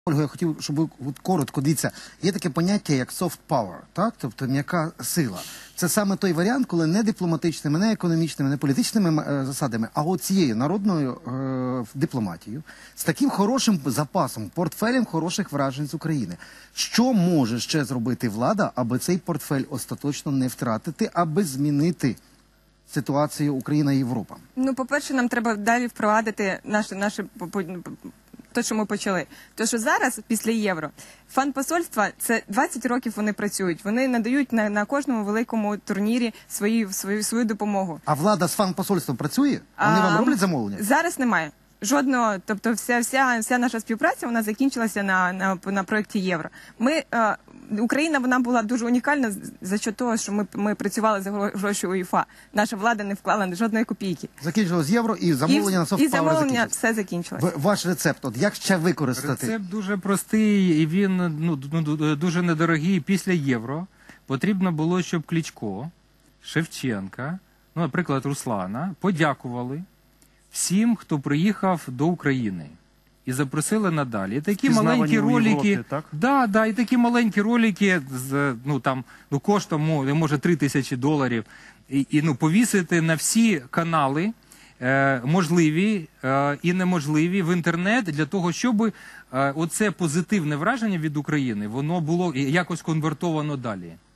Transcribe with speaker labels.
Speaker 1: Ольга, я хотів, щоб ви коротко, дивіться, є таке поняття, як soft power, так? Тобто м'яка сила. Це саме той варіант, коли не дипломатичними, не економічними, не політичними засадами, а от цією народною дипломатією, з таким хорошим запасом, портфелем хороших вражень з України. Що може ще зробити влада, аби цей портфель остаточно не втратити, аби змінити ситуацію Україна-Європа?
Speaker 2: Ну, по-перше, нам треба далі впровадити те, що ми почали. То, що зараз, після євро, фан-посольства, це 20 років вони працюють. Вони надають на кожному великому турнірі свою допомогу.
Speaker 1: А влада з фан-посольством працює? Вони вам роблять замовлення?
Speaker 2: Зараз немає. Жодного, тобто вся наша співпраця, вона закінчилася на проєкті Євро. Україна, вона була дуже унікальна за що того, що ми працювали за гроші УЄФА. Наша влада не вклала жодної копійки.
Speaker 1: Закінчилось євро і замовлення на софт-пауер закінчилось.
Speaker 2: І замовлення все закінчилось.
Speaker 1: Ваш рецепт, от як ще використати?
Speaker 3: Рецепт дуже простий і він дуже недорогий. Після євро потрібно було, щоб Кличко, Шевченка, наприклад, Руслана, подякували всім, хто приїхав до України. І запросили надалі. І такі маленькі ролики, і такі маленькі ролики з коштом, може, $3000, і повісити на всі канали, можливі і неможливі, в інтернет, для того, щоб оце позитивне враження від України, воно було якось конвертовано далі.